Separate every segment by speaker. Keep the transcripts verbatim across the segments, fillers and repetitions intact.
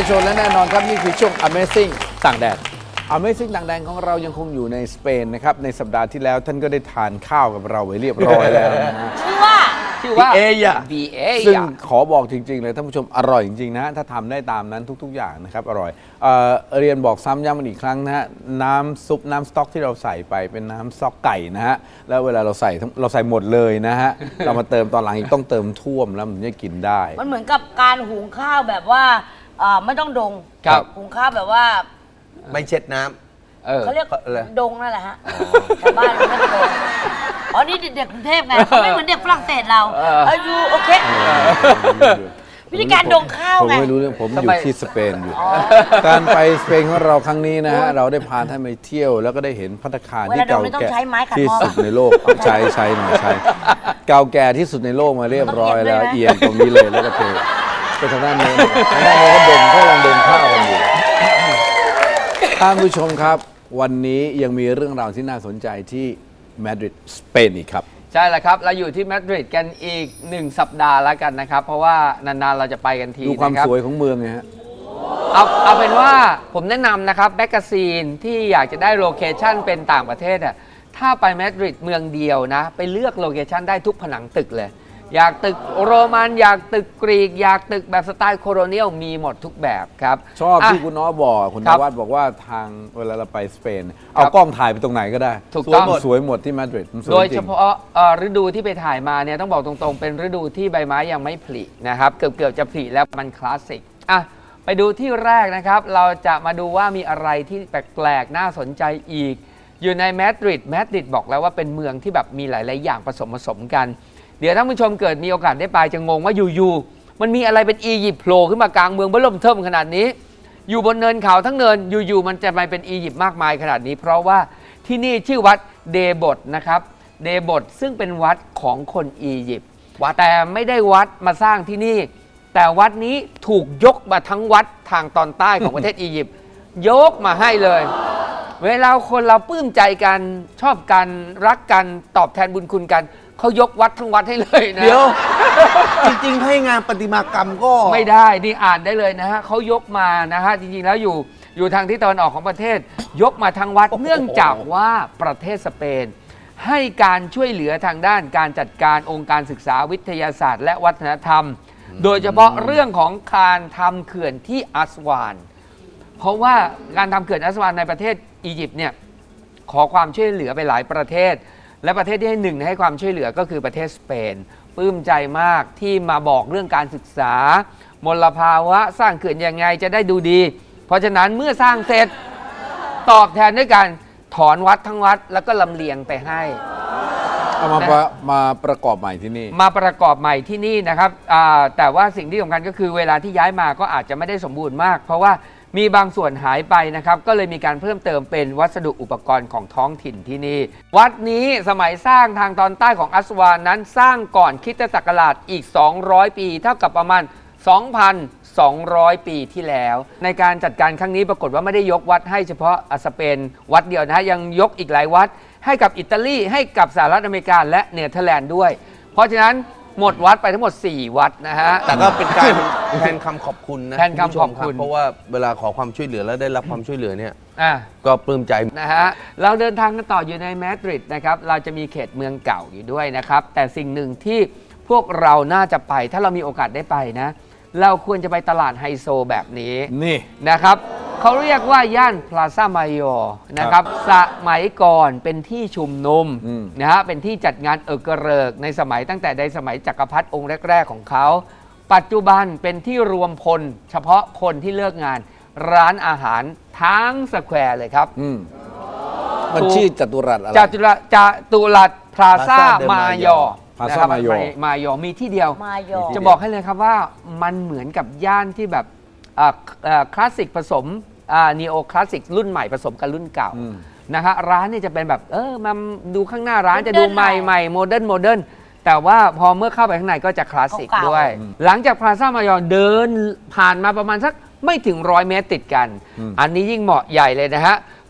Speaker 1: ชนและแน่นอนครับนี่คือช่วง Amazing ต่างแดน Amazing ต่างแดนของเรายังคงอยู่ในสเปนนะครับในสัปดาห์ที่แล้วท่านก็ได้ทานข้าวกับเราไว้เรียบร้อยแล้วนะฮะ
Speaker 2: ชื่อว่าชื่อว่า
Speaker 1: เอยะ
Speaker 2: บีเอ
Speaker 1: ซึ่งขอบอกจริงๆเลยท่านผู้ชมอร่อยจริงๆนะถ้าทำได้ตามนั้นทุกๆอย่างนะครับอร่อยเอ่อเรียนบอกซ้ำย้ำมันอีกครั้งนะฮะน้ำซุปน้ำสต๊อกที่เราใส่ไปเป็นน้ำสต๊อกไก่นะฮะแล้วเวลาเราใส่เราใส่หมดเลยนะฮะเรามาเติมตอนหลังอีกต้องเติมท่วมแล้วมันจะกินได้
Speaker 2: มันเหมือนกับการหุงข้าวแบบว่าเอ่อไม่ต้องดง
Speaker 1: ครับ
Speaker 2: หุงข้าวแบบว่า
Speaker 3: ไม่เช็ดน้ำ
Speaker 1: เออ
Speaker 2: เขาเรียก
Speaker 3: อะไร
Speaker 2: ดงนั่นแหละฮะแต่บ้านเราไม่ดงอ๋อนี่เด็กกรุงเทพไงเขาไม่เหมือนเด็กฝรั่งเศสเราเออยูโอเควิธีการดงข้าว
Speaker 1: ผม
Speaker 2: ไง
Speaker 1: ไม่รู้เรื่องผมอยู่ที่สเปนอยู่ การไปสเปนของเราครั้งนี้นะฮะเราได้พาท่านไปเที่ยวแล้วก็ได้เห็นภัตตาคารที่เก่าแก่ที่สุดในโลกใช้ใช้หน่อยใช้เก่าแก่ที่สุดในโลกมาเรียบร้อยแล้วเอียงตรงนี้เลยแล้วก็เทไปทางด้านโน้นทางด้านโน้นก็ดงเขากำลังดงข้าวกันอยู่ท่านผู้ชมครับวันนี้ยังมีเรื่องราวที่น่าสนใจที่มาดริดสเปนอีกครับ
Speaker 4: ใช่แล้วครับเราอยู่ที่มาดริดกันอีกหนึ่งสัปดาห์แล้วกันนะครับเพราะว่านานๆเราจะไปกันที
Speaker 1: ดูความ
Speaker 4: นะครับ
Speaker 1: สวยของเมืองไงฮะ
Speaker 4: เอาเอาเป็นว่าผมแนะนำนะครับแมกกาซีนที่อยากจะได้โลเคชั่นเป็นต่างประเทศอ่ะถ้าไปมาดริดเมืองเดียวนะไปเลือกโลเคชั่นได้ทุกผนังตึกเลยอยากตึกโรมันอยากตึกกรีกอยากตึกแบบสไตล์โคโลเนียลมีหมดทุกแบบครับ
Speaker 1: ชอบที่
Speaker 4: ะ
Speaker 1: คุณน้อบอกคุณน
Speaker 4: ครับ
Speaker 1: วัดบอกว่าทางเวลาเราไปสเปน เอากล้องถ่ายไปตรงไหนก็ได้
Speaker 4: ถูกต้อง
Speaker 1: สวยหมดสวยหมดที่มาดริดมันสวย
Speaker 4: โดย
Speaker 1: จริ
Speaker 4: เฉ
Speaker 1: ง
Speaker 4: พาะเอ่อฤดูที่ไปถ่ายมาเนี่ยต้องบอกตรงๆ เป็นฤดูที่ใบไม้ยังไม่ผลินะครับเกือบเกือบจะผลิแล้วมันคลาสสิกอ่ะไปดูที่แรกนะครับเราจะมาดูว่ามีอะไรที่แปลกๆน่าสนใจอีกอยู่ในมาดริดมาดริดบอกแล้วว่าเป็นเมืองที่แบบมีหลายๆอย่างผสมผสมกันเดี๋ยวท่านผู้ชมเกิดมีโอกาสได้ไปจะงงว่าอยู่ๆมันมีอะไรเป็นอียิปต์โผล่ขึ้นมากลางเมืองเบิ่มเทิมขนาดนี้อยู่บนเนินเขาทั้งเนินอยู่ๆมันจะมาเป็นอียิปต์มากมายขนาดนี้เพราะว่าที่นี่ชื่อวัดเดบดนะครับเดบดซึ่งเป็นวัดของคนอียิปต์แต่ไม่ได้วัดมาสร้างที่นี่แต่วัดนี้ถูกยกมาทั้งวัดทางตอนใต้ของประเทศอียิปต์ยกมาให้เลยเวลาคนเราปลื้มใจกันชอบกันรักกันตอบแทนบุญคุณกันเขายกวัดทั้งวัดให้เลยนะ
Speaker 3: เดี๋ยว จริงๆ ให้งานประติมากรรมก็
Speaker 4: ไม่ได้นี่อ่านได้เลยนะฮะเขายกมานะฮะจริงๆแล้วอยู่อยู่ทางที่ตะวันออกของประเทศ ยกมาทางวัด
Speaker 3: โอ้โห
Speaker 4: เนื่องจากว่าประเทศสเปน ให้การช่วยเหลือทางด้านการจัดการองค์การศึกษาวิทยาศาสตร์ และวัฒนธรรม โดยเฉพาะเรื่องของการทำเขื่อนที่อัสวานเพราะว่าการทำเขื่อนอัสวานในประเทศอียิปต์เนี่ยขอความช่วยเหลือไปหลายประเทศและประเทศที่ให้หนึ่งให้ความช่วยเหลือก็คือประเทศสเปนปลื้มใจมากที่มาบอกเรื่องการศึกษามลภาวะสร้างเขื่อนยังไงจะได้ดูดี เพราะฉะนั้นเมื่อสร้างเสร็จตอบแทนด้วยการถอนวัดทั้งวัดแล้วก็ลำเลียงไปให้
Speaker 1: เอามาประมาประกอบใหม่ที่นี่
Speaker 4: มาประกอบใหม่ที่นี่นะครับแต่ว่าสิ่งที่สำคัญก็คือเวลาที่ย้ายมาก็อาจจะไม่ได้สมบูรณ์มากเพราะว่ามีบางส่วนหายไปนะครับก็เลยมีการเพิ่มเติมเป็นวัสดุอุปกรณ์ของท้องถิ่นที่นี่วัดนี้สมัยสร้างทางตอนใต้ของอัสวานนั้นสร้างก่อนคริสตศักราชอีกสองร้อยปีเท่ากับประมาณ สองพันสองร้อย ปีที่แล้วในการจัดการครั้งนี้ปรากฏว่าไม่ได้ยกวัดให้เฉพาะสเปนวัดเดียวนะฮะยังยกอีกหลายวัดให้กับอิตาลีให้กับสหรัฐอเมริกาและเนเธอร์แลนด์ด้วยเพราะฉะนั้นหมดวัดไปทั้งหมดสี่วัดนะฮะ
Speaker 3: แต่ก็เป็นการแทนคำขอบคุณนะ
Speaker 4: แทนคำขอบคุณ
Speaker 3: ณผู้ชมรับเพราะว่าเวลาขอความช่วยเหลือแล้วได้รับความช่วยเหลือเนี่ย
Speaker 4: อ่ะ
Speaker 3: ก็ปลื้มใจ
Speaker 4: นะฮะเราเดินทางกันต่ออยู่ในมาดริดนะครับเราจะมีเขตเมืองเก่าอยู่ด้วยนะครับแต่สิ่งหนึ่งที่พวกเราน่าจะไปถ้าเรามีโอกาสได้ไปนะเราควรจะไปตลาดไฮโซแบบนี้
Speaker 1: นี่
Speaker 4: นะครับเขาเรียกว่าย่านพลาซ่ามายอนะครับสมัยก่อนเป็นที่ชุมนุม
Speaker 1: อืม
Speaker 4: นะฮะเป็นที่จัดงานเอกเริกในสมัยตั้งแต่ในสมัยจักรพรรดิองค์แรกๆของเขาปัจจุบันเป็นที่รวมพลเฉพาะคนที่เลิกงานร้านอาหารทั้งสแควร์เลยครับ
Speaker 1: อืมมันชื่อจัตุรัสอะไร
Speaker 4: จตุรัสจตุรัสพลาซ่า
Speaker 3: Plaza de
Speaker 4: มายอ
Speaker 1: Plaza
Speaker 4: นะครับ
Speaker 1: Mayor
Speaker 4: มายอมีที่เดียว
Speaker 2: มายอ
Speaker 4: จะบอกให้เลยครับว่ามันเหมือนกับย่านที่แบบอ่าอ่าคลาสสิกผสมนีโอคลาสสิกรุ่นใหม่ผสมกับรุ่นเก่า
Speaker 1: อืม
Speaker 4: นะฮะร้านเนี่ยจะเป็นแบบเออมาดูข้างหน้าร้าน
Speaker 2: Modern
Speaker 4: จะดูใหม่
Speaker 2: หน่อย
Speaker 4: ใหม่โมเดิร์นโมเดิร์นแต่ว่าพอเมื่อเข้าไปข้างในก็จะคลาสสิก
Speaker 2: เก่าๆ
Speaker 4: ด้วย หลังจากพลาซ่ามายอเดินผ่านมาประมาณสักไม่ถึงร้อยเมตรติดกัน
Speaker 1: อืม
Speaker 4: อันนี้ยิ่งเหมาะใหญ่เลยนะฮะ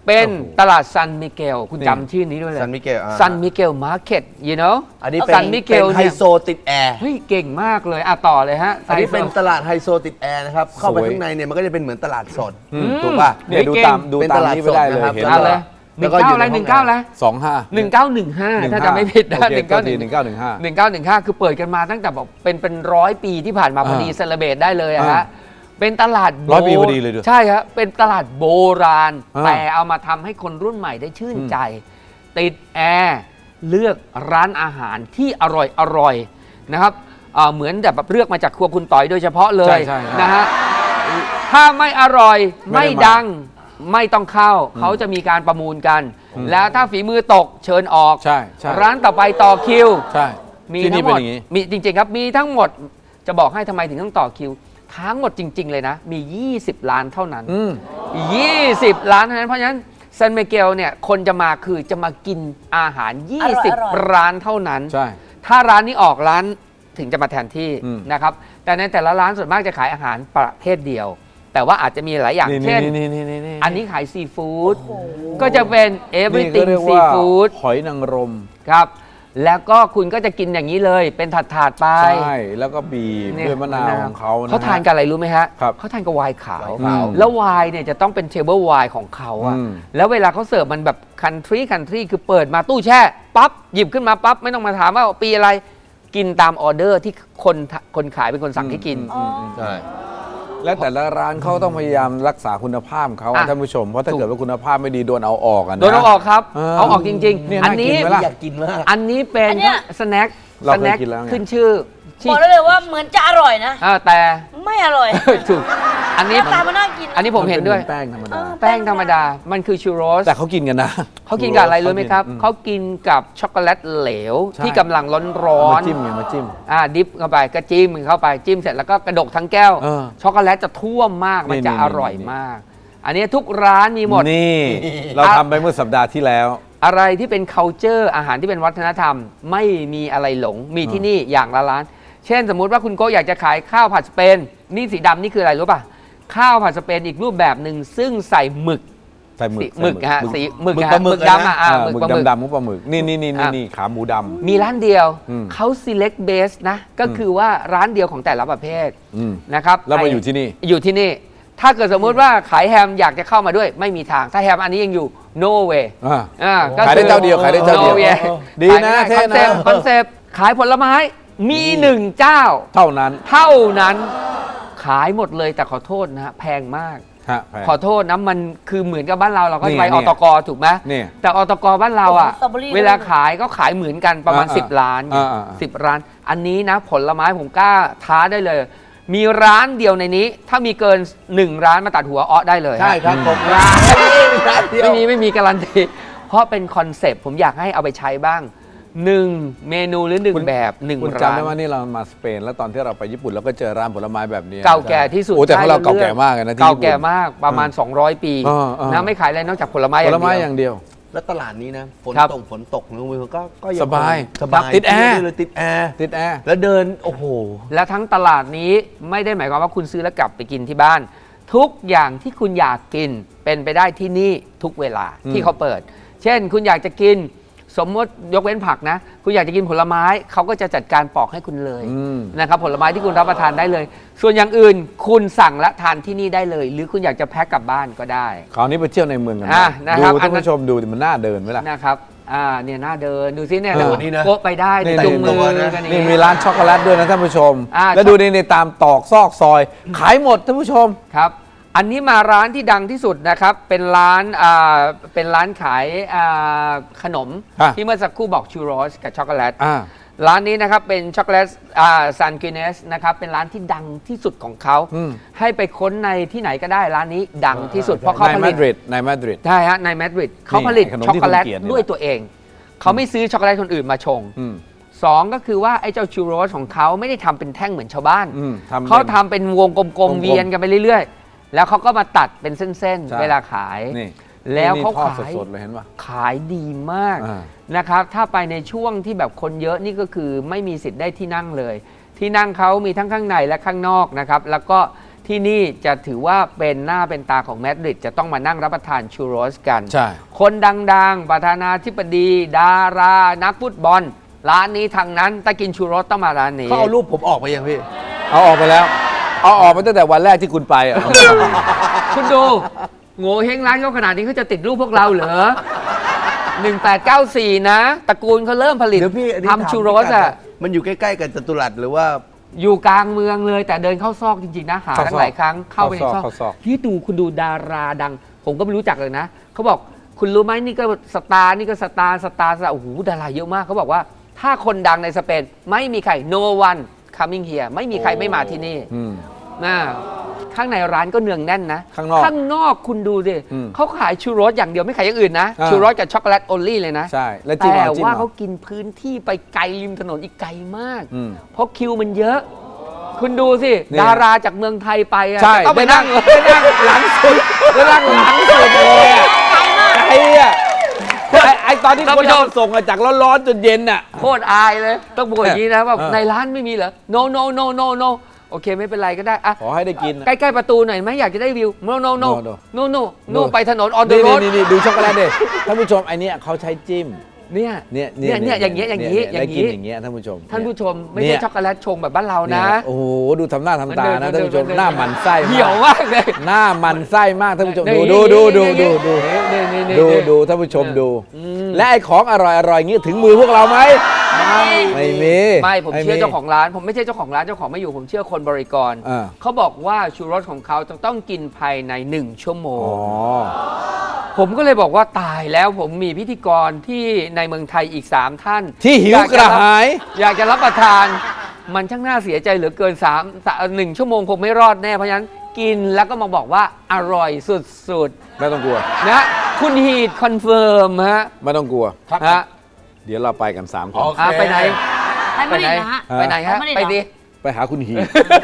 Speaker 4: เป็น
Speaker 1: โอ้โห
Speaker 4: ตลาดซันมิเกลคุณ
Speaker 1: นี่
Speaker 4: จำชื่อนี้ด้วยเลย
Speaker 3: San Miguel อ่า
Speaker 4: ซันมิเกลมาร์เก็ต you know
Speaker 3: อันนี้เป็น
Speaker 4: ซันมิเกล
Speaker 3: เป็นไฮ
Speaker 4: เนี่ย
Speaker 3: โซติดแอร์
Speaker 4: เฮ้ยเก่งมากเลยอ่ะต่อเลยฮะ
Speaker 3: อันนี้เป็น
Speaker 4: ไฮโซ
Speaker 3: ตลาดไฮโซติดแอร์นะครับ เข้าไป
Speaker 1: สวย
Speaker 3: ข้างในเนี่ยมันก็จะเป็นเหมือนตลาดสด
Speaker 4: อืม
Speaker 3: ถูกป่ะ
Speaker 1: เนี่ยดู
Speaker 4: เก่ง
Speaker 1: ตามดู
Speaker 3: เป็น
Speaker 1: ตา
Speaker 3: ต
Speaker 1: ม
Speaker 3: ลาด
Speaker 1: นี้ไปได้เลย
Speaker 3: สดนะครับ
Speaker 1: เห็น
Speaker 4: เอาเลย
Speaker 3: แล้
Speaker 4: หนึ่
Speaker 3: ว
Speaker 4: ง
Speaker 3: ก็อยู่
Speaker 4: เก้าอะไร
Speaker 3: ใน
Speaker 4: ห
Speaker 3: ห้อง
Speaker 4: นึ่งเก้าอะไร
Speaker 1: สองห้า
Speaker 4: หนึ่งเก้าหนึ่งห้าถ้าจำไม่ผิดนะหนึ่งเก้าหนึ่ง
Speaker 1: หนึ่งเก้าหนึ่งห้า
Speaker 4: หนึ่งเก้าหนึ่งห้าคือเปิดกันมาตั้งแต่บอกเป็นเป็นร้อยปีที่ผ่านมาพอดี
Speaker 1: อ่า
Speaker 4: เซเลเบรตได้เลยอะ
Speaker 1: อ่า
Speaker 4: ฮะเป็นตลาดโ
Speaker 1: ร้อยปีพอดีเลยด้วย
Speaker 4: ใช่ครับเป็นตลาดโบราณ
Speaker 1: อ่า
Speaker 4: แต่เอามาทำให้คนรุ่นใหม่ได้ชื่นใจ ติดแอร์เลือกร้านอาหารที่อร่อยอร่อยนะครับอ่าเหมือนแบบเลือกมาจากครัวคุณต่อยโดยเฉพาะเลย
Speaker 1: ใช่ใช่
Speaker 4: นะฮะถ้าไม่อร่อย
Speaker 1: ไม่
Speaker 4: ไม่
Speaker 1: ได้มา
Speaker 4: ดังไม่ต้องเข้า เขาจะมีการประมูลกัน
Speaker 1: อืม
Speaker 4: แล้วถ้าฝีมือตกเชิญออก
Speaker 1: ใช่ใช่
Speaker 4: ร้านต่อไปต่อคิว
Speaker 1: ใช่
Speaker 4: มี
Speaker 1: ที่
Speaker 4: ทั้
Speaker 1: นี่
Speaker 4: งห
Speaker 1: เป็
Speaker 4: ม
Speaker 1: น
Speaker 4: ด
Speaker 1: อย่างนี้
Speaker 4: มีจริง ๆ ครับ มีทั้งหมดจะบอกให้ทำไมถึงต้องต่อคิว ทั้งหมดจริง ๆ เลยนะ มี ยี่สิบ ล้านเท่านั้น
Speaker 1: อืม
Speaker 4: ยี่สิบ ล้านเท่านั้น เพราะฉะนั้นซันเมเกลเนี่ยคนจะมาคือจะมากินอาหาร
Speaker 2: อร่อย
Speaker 4: 20 ร้านเท่านั้น
Speaker 1: ใช่
Speaker 4: ถ้าร้านนี้ออกร้านถึงจะมาแทนที่
Speaker 1: อืม
Speaker 4: นะครับ แต่ในแต่ละร้านส่วนมากจะขายอาหารประเภทเดียว แต่ว่าอาจจะมีหลายอย่าง
Speaker 1: นี่
Speaker 4: เช่น
Speaker 1: นี่นี่นี่นี่
Speaker 4: อันนี้ขายซีฟู้ดก็จะเป็น
Speaker 1: นี่ก็
Speaker 4: everything
Speaker 1: เรียก
Speaker 4: ซี
Speaker 1: ว่า
Speaker 4: ฟู้ด
Speaker 1: หอยนางรม
Speaker 4: ครับ แล้วก็คุณก็จะกินอย่างนี้เลย เป็นถาดๆไป
Speaker 1: ใช่แล้วก็บีบ
Speaker 4: เนี่
Speaker 1: ด้วยมะนาวของเขานะ
Speaker 4: เขาทานกับอะไรรู้ไหมฮะ
Speaker 1: ครับ
Speaker 4: เขาทานกับไวน์ขาว
Speaker 3: ไวน์ขาว
Speaker 4: แล้วไวน์เนี่ยจะต้องเป็นเทเบิลไวน์ของเขาอะ
Speaker 1: อืม
Speaker 4: แล้วเวลาเขาเสิร์ฟมันแบบคันทรีคันทรีคือเปิดมาตู้แช่ ปั๊บ หยิบขึ้นมาปั๊บ ไม่ต้องมาถามว่าปีอะไรกินตามออเดอร์ที่คนคนขายเป็นคนสั่งให้กิน
Speaker 2: อ๋อ
Speaker 3: ใช่
Speaker 1: และแต่ละร้านเขาต้องพยายามรักษาคุณภาพเขาอะ
Speaker 4: อ่ะ
Speaker 1: ท่านผู้ชม เพราะถ้าเกิดว่าคุณภาพไม่ดีโดนเอาออกอะนะ
Speaker 4: โดนเอาออกครับ
Speaker 1: เออ
Speaker 4: เอาออกจริง
Speaker 1: เนี่ย
Speaker 4: ๆ อัน
Speaker 1: น่ากิ
Speaker 4: นี้
Speaker 1: นไหมล่ะ
Speaker 3: อยากกินมาก
Speaker 4: อันนี้เป็น
Speaker 2: อันเนี้ย
Speaker 4: สแน็ค
Speaker 1: เรา
Speaker 4: ส
Speaker 1: เคย
Speaker 4: แน็ค
Speaker 1: กินแล้วไง
Speaker 2: ขึ้น
Speaker 4: ชื่อ
Speaker 2: บอกได้เลยว่าเหมือนจะอร่อยนะ
Speaker 4: อ่าแต่
Speaker 2: ไม่อร่อย
Speaker 4: ถูกอัน
Speaker 2: ห
Speaker 4: นี้
Speaker 2: น้าตามันน่ากิน
Speaker 4: อันนี้ผมเห็นด้วย
Speaker 1: มัป็แป้งธรรมดา
Speaker 2: เออ
Speaker 4: แป้งธรรมดา มันคือชูโรส
Speaker 1: แต่เขากินกันนะ
Speaker 4: เขากินกับอะไรรู้ไหมครับ
Speaker 1: อืม
Speaker 4: เขากินกับช็อกโกแลตเหลว
Speaker 1: ใช่
Speaker 4: ที่กำลังร้อนร้อ
Speaker 1: มาน จิ้มไงมาจิ้ม
Speaker 4: อ่าดิฟเข้าไปก็จิ้มเข้าไปจิ้มเสร็จแล้วก็กระดกทั้งแก้ว
Speaker 1: เออ
Speaker 4: ช็อกโกแลตจะท่วมมากมัน
Speaker 1: นี่
Speaker 4: จะ
Speaker 1: นี่
Speaker 4: อร่อย
Speaker 1: นี่
Speaker 4: มาก อันนี้ทุกร้านมีหมด
Speaker 1: นี่ เราทำไปเมื่อสัปดาห์ที่แล้ว
Speaker 4: อะไรที่เป็น culture อาหารที่เป็นวัฒนธรรม ไม่มีอะไรหลงมีที่นี่อย่างละร้าน เช่นสมมุติว่าคุณโก้อยากจะขายข้าวผัดสเปนนี่สีดำนี่คืออะไรรู้ป่ะข้าวผัดสเปนอีกรูปแบบหนึ่งซึ่งใส่หมึก
Speaker 1: ใส่หมึ
Speaker 4: สี
Speaker 1: ก
Speaker 4: หมึกฮะสีหมึก
Speaker 3: หมึก
Speaker 4: ฮะ
Speaker 3: ปลาหมึก
Speaker 4: ดำอ่ะ
Speaker 3: นะ
Speaker 4: อ่า
Speaker 1: อ่า
Speaker 4: ห
Speaker 1: ห
Speaker 4: มึก
Speaker 1: มึก
Speaker 4: ปลาหมึก
Speaker 1: ดำๆมุกปลาหมึกนี่นี่นี่
Speaker 4: อ่ะ
Speaker 1: นี่ขาหมูดำ
Speaker 4: มีร้านเดียว
Speaker 1: อืม
Speaker 4: เขา select base นะ ก็คือว่าร้านเดียวของแต่ละประเภท
Speaker 1: อืม
Speaker 4: นะครับ
Speaker 1: แล้วมา
Speaker 4: ไ
Speaker 1: อยู่ที่นี่
Speaker 4: อยู่ที่นี่ ถ้าเกิดสมมุติว่าขายแฮมอยากจะเข้ามาด้วยไม่มีทาง ถ้าแฮมอันนี้ยังอยู่ no way
Speaker 1: อ่า
Speaker 4: อ่าก็
Speaker 1: ขายได้เจ้าเดียวขายได้เจ้าเดียว
Speaker 4: no way
Speaker 1: ดีนะ
Speaker 4: ขายไม่ได้
Speaker 1: เท่นะ
Speaker 4: คอนเซปต์ขายผลไม้มีหนึ่งเจ้า
Speaker 1: เท่านั้น
Speaker 4: เท่านั้นขายหมดเลยแต่ขอโทษนะฮะแพงมาก
Speaker 1: ฮะแพง
Speaker 4: ขอโทษนะมันคือเหมือนกับบ้านเราเราก็
Speaker 1: นี่
Speaker 4: ไป
Speaker 1: เนี่
Speaker 4: อย ตกถูกไหม
Speaker 1: เนี่ย
Speaker 4: แต่อตกบ้านเราอ่ะ
Speaker 2: สตรอเบอรี่
Speaker 4: เวลาขายก็ขายเหมือนกันประมาณ
Speaker 1: อ่า
Speaker 4: สิบ ล้าน
Speaker 1: อ่าอ่าอ่า
Speaker 4: สิบร้าน อันนี้นะผลไม้ผมกล้าท้าได้เลย มีร้านเดียวในนี้ ถ้ามีเกินหนึ่งร้านมาตัดหัวอ้อได้เลย
Speaker 3: ใช่ครับผม
Speaker 4: ร้าน
Speaker 3: ร้านเดียว
Speaker 4: ไม่มีไม่มีการันตีเพราะเป็นคอนเซปต์ผมอยากให้เอาไปใช้บ้างหนึ่งเมนูหรือหนึ่ง
Speaker 1: คุณ
Speaker 4: แบบหนึ่ง
Speaker 1: คุณ
Speaker 4: ร้า
Speaker 1: จำได้
Speaker 4: น
Speaker 1: ว่านี่เรามาสเปน แล้วตอนที่เราไปญี่ปุ่นเราก็เจอร้านผลไม้แบบนี้
Speaker 4: เก่าแก่ที่สุด
Speaker 1: โอ้แต่ของเรา
Speaker 4: ใช่
Speaker 1: เก่าแก่มากเลยนะที่
Speaker 4: เก่า
Speaker 1: ญี่ปุ่น
Speaker 4: แก่มากประมาณ สองร้อย ปี
Speaker 1: เออเออ
Speaker 4: นะไม่ขายอะไรนอกจากผลไม้อ
Speaker 1: ผ
Speaker 4: ย่าง
Speaker 1: ลไม้
Speaker 4: เดียว
Speaker 1: อย่างเดียว
Speaker 3: แล้วตลาดนี้นะฝน
Speaker 4: ครับ
Speaker 3: ตกฝนตกนะมือก็ก็ง
Speaker 1: สบาย
Speaker 3: สบาย
Speaker 1: ติดแอร์
Speaker 3: กินได้เลยติดแอร์
Speaker 1: ติดแอร์
Speaker 3: แล้วเดินโอ้โห
Speaker 4: และทั้งตลาดนี้ไม่ได้หมายความว่าคุณซื้อแล้วกลับไปกินที่บ้าน ทุกอย่างที่คุณอยากกินเป็นไปได้ที่นี่ทุกเวลา
Speaker 1: อืม
Speaker 4: ที่เขาเปิด เช่นคุณอยากจะกินสมมติยกเว้นผักนะ คุณอยากจะกินผลไม้เขาก็จะจัดการปอกให้คุณเลย
Speaker 1: อืม
Speaker 4: นะครับผลไม้ที่คุณรับประทานได้เลย ส่วนอย่างอื่นคุณสั่งและทานที่นี่ได้เลย หรือคุณอยากจะแพ็คกลับบ้านก็ได้
Speaker 1: คราวนี้ไปเที่ยวในเมืองกัน
Speaker 4: อ่ะ
Speaker 1: บ้าง
Speaker 4: นะครับ
Speaker 1: ดู
Speaker 4: อั
Speaker 1: ท่าน น
Speaker 4: นั้น
Speaker 1: ผู้ชมดูดิมันน่าเดินไหมล่ะ
Speaker 4: นะครับอ่าเนี่ยน่าเดินดูซิเนี่ย
Speaker 1: เออ
Speaker 3: นี่นะ
Speaker 4: โกะไปได้
Speaker 1: นี่
Speaker 4: จุงมื
Speaker 3: ตัว
Speaker 4: อ
Speaker 3: นะ
Speaker 4: กันอย่าง
Speaker 1: นี่
Speaker 4: เงี้ย
Speaker 1: มีร้านช็อกโกแลตด้วยนะท่านผู้ชม
Speaker 4: อ่า
Speaker 1: แล้วดูนี่ในตามตอกซอกซอย ขายหมดท่านผู้ชม
Speaker 4: ครับ อันนี้มาร้านที่ดังที่สุดนะครับ เป็นร้านอ่าเป็นร้านขายอ่าขนม
Speaker 1: อ่ะ
Speaker 4: ที่เมื่อสักครู่บอกชูโรสกับช็อกโกแลต
Speaker 1: อ่า
Speaker 4: ร้านนี้นะครับเป็นช็อกโกแลตอ่าซันกินเนสนะครับเป็นร้านที่ดังที่สุดของเขา
Speaker 1: อืม
Speaker 4: ให้ไปค้นในที่ไหนก็ได้ร้านนี้ดังที่สุดเพราะเขา
Speaker 1: ใน
Speaker 4: ผ
Speaker 1: มา
Speaker 4: ลิต
Speaker 1: ดริดในมาดริด
Speaker 4: ใช่ฮะในมาดริดเขาผลิต
Speaker 1: ขนมที่
Speaker 4: ช็อกโกแลต
Speaker 1: คุณเกลียดนี่
Speaker 4: ด้วยตัวเอง เขาไม่ซื้อช็อกโกแลตคนอื่นมาชง
Speaker 1: อืม
Speaker 4: สองก็คือว่าไอ้เจ้าชูโรสของเขาไม่ได้ทำเป็นแท่งเหมือนชาวบ้าน
Speaker 1: อืมทำ
Speaker 4: เขา
Speaker 1: เป็น
Speaker 4: ทำเป็นวงกลม
Speaker 1: กลม
Speaker 4: ๆ
Speaker 1: ๆ
Speaker 4: เวียนกันไปเรื่อยๆ แล้วเขาก็มาตัดเป็นเส้น
Speaker 1: ใช่
Speaker 4: ๆ เวลาขาย
Speaker 1: นี่
Speaker 4: แล้วเขา
Speaker 1: นี่ทอด
Speaker 4: ขาย
Speaker 1: สดๆเลยเห็นป่ะ
Speaker 4: ขายดีมาก
Speaker 1: อ่า
Speaker 4: นะครับ ถ้าไปในช่วงที่แบบคนเยอะนี่ก็คือไม่มีสิทธิ์ได้ที่นั่งเลย ที่นั่งเขามีทั้งข้างในและข้างนอกนะครับ แล้วก็ที่นี่จะถือว่าเป็นหน้าเป็นตาของมาดริดจะต้องมานั่งรับประทานชูโรสกัน
Speaker 1: ใช่
Speaker 4: คนดังๆ ประธานาธิบดี ดารา นักฟุตบอล ร้านนี้ทางนั้นถ้ากินชูโรสต้องมาร้านนี้
Speaker 3: เขาเอารูปผมออกไปยังพี่
Speaker 1: เอาออกไปแล้ว เอาออกไปตั้งแต่วันแรกที่คุณไปอ่ะ
Speaker 4: คุณดูโง่เฮงร้านเขาขนาดนี้เขาจะติดรูปพวกเราเหรอ หนึ่งแปดเก้าสี่ นะตระกูลเขาเริ่มผลิต
Speaker 3: เดี๋ยวพี่อันนี้
Speaker 4: ทำชูโรสอ่ะ
Speaker 3: มันอยู่ใกล้ๆกับจตุรัสหรือว่า
Speaker 4: อยู่กลางเมืองเลยแต่เดินเข้าซอกจริงๆนะหา
Speaker 1: เข้า
Speaker 4: ตั้
Speaker 1: ซ
Speaker 4: ง
Speaker 1: อก
Speaker 4: หลายครั้งเข้าไปในซอก
Speaker 1: เข้าซอก
Speaker 4: ที่ดูคุณดูดาราดัง ผมก็ไม่รู้จักเลยนะเขาบอกคุณรู้ไหมนี่ก็สตาร์นี่ก็สตาร์สตาร์สตาร์โอ้โหดาราเยอะมากเขาบอกว่าถ้าคนดังในสเปนไม่มีใคร no one coming here ไม่มีใครไม่มาที่นี่
Speaker 1: อืม
Speaker 4: นะข้างในร้านก็เนืองแน่นนะ
Speaker 1: ข้างนอก
Speaker 4: ข้างนอกคุณดูสิ
Speaker 1: อืม
Speaker 4: เขาขายชูโรสอย่างเดียวไม่ขายอย่างอื่นนะ
Speaker 1: อ่า
Speaker 4: ชูโรสกับช็อกโกแลตโอลี่เลยนะ
Speaker 1: ใช่แล้วจิ้ม
Speaker 4: แต่
Speaker 1: เอาจิ้ม
Speaker 4: ว่า
Speaker 1: เอา
Speaker 4: เขากินพื้นที่ไปไกลริมถนนอีกไกลมาก
Speaker 1: อืม
Speaker 4: เพราะคิวมันเยอะ คุณดูสิ
Speaker 1: นี่
Speaker 4: ดาราจากเมืองไทยไปอะ
Speaker 1: ใช่
Speaker 4: จะต้องไป
Speaker 1: ได้นั่
Speaker 4: นั่
Speaker 1: ง
Speaker 4: ง
Speaker 1: ได้นั่งหลังสุดได้นั่งหลังสุดเลยอ่ะไอ้อะไอ้ไอ้ตอนที่
Speaker 4: ท่าน
Speaker 1: คน
Speaker 4: ผู้ชม
Speaker 1: ทำส่งอะจากร้อนๆจนเย็นอ่ะ
Speaker 4: โคตรอายเลย ต้องบอกอย่างนี้นะว่า
Speaker 1: เออ
Speaker 4: ในร้านไม่มีเหรอ no no no no no โอเคไม่เป็นไรก็ได้อะ
Speaker 1: ขอให้ได้กินอะ
Speaker 4: ใกล้ๆประตูหน่อยไหมอยากจะได้วิว no no no
Speaker 1: No,
Speaker 4: no
Speaker 1: no.
Speaker 4: no no ไปถนน on the
Speaker 1: นี่
Speaker 4: road
Speaker 1: นี่นี่ดูช็อกโกแลตดิท่านผู้ชมไอเนี้ยเขาใช้จิ้ม
Speaker 4: เนี่ย
Speaker 1: เนี่ย
Speaker 4: เนี่ยเนี่ยอย่างเงี้ยอย่างงี้
Speaker 1: นี้
Speaker 4: อย่างงี้
Speaker 1: ได้กินอย่างเงี้ยท่านผู้ชม
Speaker 4: ท่านผู้ชมไม่
Speaker 1: เนี่
Speaker 4: ใช่
Speaker 1: ย
Speaker 4: ช็อกโกแลตชงแบบบ้านเรานะ
Speaker 1: โอ้โหดูทำหน้าทำตานะ
Speaker 4: มั
Speaker 1: ท่าน
Speaker 4: เดิ
Speaker 1: ผู้ชม
Speaker 4: เดิ
Speaker 1: หน้าหมันไส้
Speaker 4: เหี่ยว
Speaker 1: มาก
Speaker 4: มากเลย
Speaker 1: หน้าหมันไส้มากท่านผู้ชม
Speaker 4: นี่
Speaker 1: ดูดูดู
Speaker 4: นี่
Speaker 1: ดู
Speaker 4: นี่
Speaker 1: ดูดู
Speaker 4: นี่นี่
Speaker 1: ดู
Speaker 4: นี่
Speaker 1: ดูท่านผู้ชมดู
Speaker 4: อืม
Speaker 1: และไอ้ของอร่อยอร่อยๆอย่างงี้ถึงมือพวกเราไหมไม่มี
Speaker 4: ไม่ผมเชื่อเจ้าของร้าน ผมไม่ใช่เจ้าของร้านเจ้าของไม่อยู่ผมเชื่อคนบริกร
Speaker 1: อ่า
Speaker 4: เขาบอกว่าชูรสของเขาจะต้องกินภายในหนึ่งชั่วโม
Speaker 1: อ๋
Speaker 4: ง
Speaker 1: อ
Speaker 4: ผมก็เลยบอกว่าตายแล้วผมมีพิธีกรที่ในเมืองไทยอีก 3 ท่าน
Speaker 1: ที่หิวกระหาย
Speaker 4: อยากจะรับประทาน มันช่างน่าเสียใจเหลือเกิน3 1 ชั่วโมงคงไม่รอดแน่เพราะฉะนั้นกินแล้วก็มาบอกว่าอร่อยสุด
Speaker 1: ไม่ต้องกลัว
Speaker 4: ๆนะคุณฮีดคอนเฟิร์มฮะ
Speaker 1: ไม่ต้องกลัว
Speaker 4: ฮะ
Speaker 1: เดี๋ยวเราไปกันสามคน
Speaker 3: โอเค
Speaker 4: อ่ะไปไหน
Speaker 2: ไปไม่ได้นะฮะ
Speaker 4: ไปไหนฮะ
Speaker 2: ไปไม่ได้
Speaker 4: ไป
Speaker 2: เหรอ
Speaker 4: ดิ
Speaker 1: ไปหาคุณหี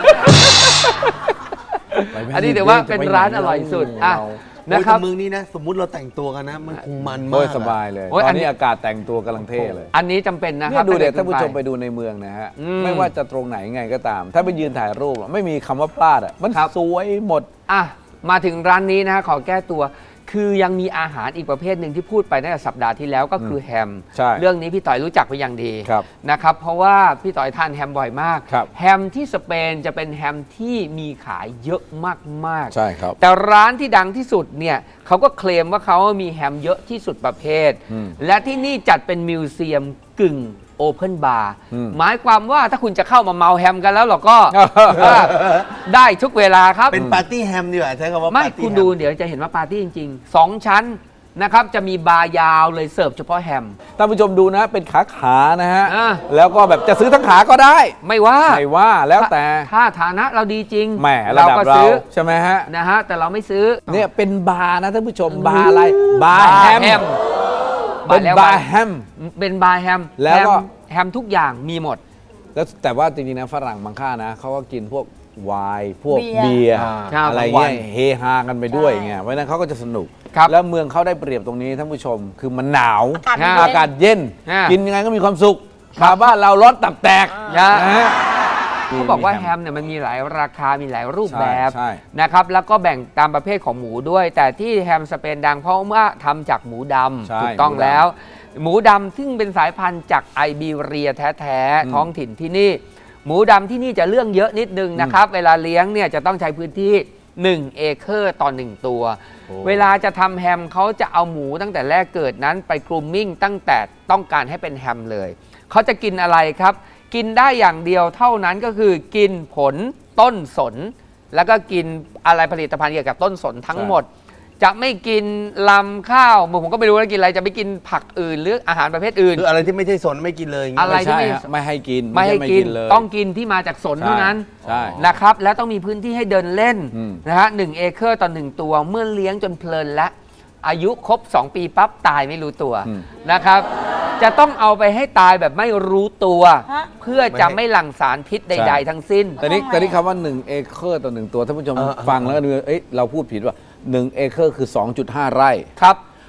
Speaker 1: ไปไม่
Speaker 4: อันนี้ถือว่าเป็นร้านอร่อยสุดอ่ะ
Speaker 3: นะ
Speaker 4: นะ
Speaker 3: ค
Speaker 4: ค
Speaker 3: รั
Speaker 4: รั
Speaker 3: บบ เมืองนี้นะ สมมุติเราแต่งตัวกันนะ มันคงมัน
Speaker 1: โอ้
Speaker 3: มาย ก
Speaker 1: ส
Speaker 3: อะ
Speaker 1: บายเลย
Speaker 4: โอ้ย
Speaker 1: ต
Speaker 4: อั
Speaker 1: อน น
Speaker 4: นี้
Speaker 1: นี้อากาศแต่งตัวกำลังเท่เลย
Speaker 4: อันนี้จำเป็นนะค
Speaker 1: เนี่
Speaker 4: รับ
Speaker 1: ยดูเด็ด
Speaker 4: ถ้
Speaker 1: ท่านผู้ชมไป
Speaker 4: ขึ้
Speaker 1: ดูในเมืองนะฮะ
Speaker 4: อืม
Speaker 1: ไม่ว่าจะตรงไหนไงก็ตาม ถ้าไปยืนถ่ายรูปอะไม่มีคำว่าพลาดอ่ะมัน
Speaker 4: ครับ
Speaker 1: สวยหมด
Speaker 4: อ่ะมาถึงร้านนี้นะขอแก้ตัว คือยังมีอาหารอีกประเภทหนึ่งที่พูดไปตั้งแต่สัปดาห์ที่แล้วก็คือแฮม
Speaker 1: ใช่
Speaker 4: เรื่องนี้พี่ต่อยรู้จักไปนอย่างดี
Speaker 1: ครับ
Speaker 4: นะครับเพราะว่าพี่ต่อยทานแฮมบ่อยมาก
Speaker 1: ครับ
Speaker 4: แฮมที่สเปนจะเป็นแฮมที่มีขายเยอะมากๆ
Speaker 1: ใช่ครับ
Speaker 4: แต่ร้านที่ดังที่สุดเนี่ยเขาก็เคลมว่าเขามีแฮมเยอะที่สุดประเภท
Speaker 1: อืม
Speaker 4: และที่นี่จัดเป็นมิวเซียมกึ่งโอเพนบาร์
Speaker 1: อืม
Speaker 4: หมายความว่าถ้าคุณจะเข้ามาเมาแฮมกันแล้วหรอก็ ได้ทุกเวลาครับ
Speaker 3: เป็นปาร์ตี้แฮมดีกว่าใช้คำว่า
Speaker 4: ไม่
Speaker 3: ปาร์ตี้
Speaker 4: คุณ
Speaker 3: แฮ
Speaker 4: ดูเดี๋ยวจะเห็นว่าปาร์ตี้จริงๆ สอง ชั้นนะครับ จะมีบาร์ยาวเลยเสิร์ฟเฉพาะแฮม
Speaker 1: ท่านผู้ชมดูนะเป็นขาขาๆนะฮะ
Speaker 4: อ่า
Speaker 1: แล้วก็แบบจะซื้อทั้งขาก็ได้
Speaker 4: ไม่ว่า
Speaker 1: ไม่ว่าแล้วแต่
Speaker 4: ถ้าฐานะเราดีจริง
Speaker 1: แหมระดับ
Speaker 4: ก็
Speaker 1: เรา
Speaker 4: ซื้อ
Speaker 1: ใช่ไหมฮะ
Speaker 4: นะฮะ แต่เราไม่ซื้อ
Speaker 1: เนี่ยเป็นบาร์นะท่านผู้ชมบาร์อะไรบาร์แฮม เป็นบาร์แฮม
Speaker 4: เป็นบาร์แฮม
Speaker 1: แล้วก็
Speaker 4: ฮมแฮมทุกอย่างมีหมด
Speaker 1: แล้วแต่ว่าจริงๆนะฝรั่งบางค่านะเขาก็กินพวกไวน์พวก
Speaker 2: เบี
Speaker 1: เบี
Speaker 2: ย
Speaker 1: ย
Speaker 2: ร์
Speaker 1: ร์
Speaker 4: ครับ
Speaker 1: อะไรเงี้ยเฮฮากันไปด้วยไงเพราะฉะนั้นเขาก็จะสนุก
Speaker 4: ครับ
Speaker 1: แล้วเมืองเขาได้เปรียบตรงนี้ท่านผู้ชม คือมันหนาว
Speaker 2: อากาศเย็น
Speaker 1: อากาศเย็น
Speaker 4: ฮะ
Speaker 1: กินยังไงก็มีความสุขมาบ้านเราร้อนตับแตก
Speaker 4: นะ
Speaker 1: นะฮะ
Speaker 4: เขาบอกว่าแฮมเนี่ยมันมีหลายราคา มีหลายรูปแบบ
Speaker 1: ใช่ใช่
Speaker 4: นะครับ แล้วก็แบ่งตามประเภทของหมูด้วย แต่ที่แฮมสเปนดังเพราะว่าทำจากหมูด
Speaker 1: ใช่
Speaker 4: ำถูกต้อง
Speaker 1: หมูดำ
Speaker 4: แล้ว หมูดำซึ่งเป็นสายพันธุ์จากไอบีเรียแท้
Speaker 1: อืม
Speaker 4: ๆท้องถิ่นที่นี่ หมูดำที่นี่จะเรื่องเยอะนิดนึงนะครับ เวลาเลี้ยงเนี่ยจะต้องใช้พื้นที่หนึ่งเอเคอร์ต่อหนึ่งตัว
Speaker 1: โอ้
Speaker 4: เวลาจะทำแฮมเขาจะเอาหมูตั้งแต่แรกเกิดนั้นไปกรูมมิ่งตั้งแต่ต้องการให้เป็นแฮมเลย เขาจะกินอะไรครับ กินได้อย่างเดียวเท่านั้นก็คือกินผลต้นสน แล้วก็กินอะไรผลิตภัณฑ์เกี่ยวกับต้นสนทั้งหมด จะไม่กินลำข้าวผมก็ไม่รู้ว่ากินอะไรจะไม่กินผักอื่นหรืออาหารประเภทอื่น
Speaker 3: คืออะไรที่ไม่ใช่สนไม่กินเลยอย่างงี้
Speaker 4: อะไร
Speaker 1: ไม่ใช่ฮะไม่ให้กิน
Speaker 4: ไม่ให้
Speaker 1: ช่
Speaker 4: กิน
Speaker 1: เลย
Speaker 4: ต้องกินที่มาจากสนเท่านั้น
Speaker 1: ใช่
Speaker 4: นะครับ แล้วต้องมีพื้นที่ให้เดินเล่น
Speaker 1: อืม
Speaker 4: นะฮะหนึ่งเอเคอร์ต่อหนึ่งตัวเมื่อเลี้ยงจนเพลินและอายุครบ สอง ปีปั๊บตายไม่รู้ตัว
Speaker 1: อืม
Speaker 4: นะครับ จะต้องเอาไปให้ตายแบบไม่รู้ตัว
Speaker 2: ฮะ
Speaker 4: เพื่อจะไม่หลั่งสารพิษใด ๆ ทั้งสิ้น
Speaker 1: แต่นี่
Speaker 2: ทำไม
Speaker 1: แต่นี่คำว่า1เอเคอร์ต่อหนึ่งตัวท่านผู้ชม
Speaker 3: เออเออ
Speaker 1: ฟังแล้วก็ดูเอ้ยเราพูดผิดว่าหนึ่งเอเคอร์คือ สองจุดห้า ไร่
Speaker 4: ครับ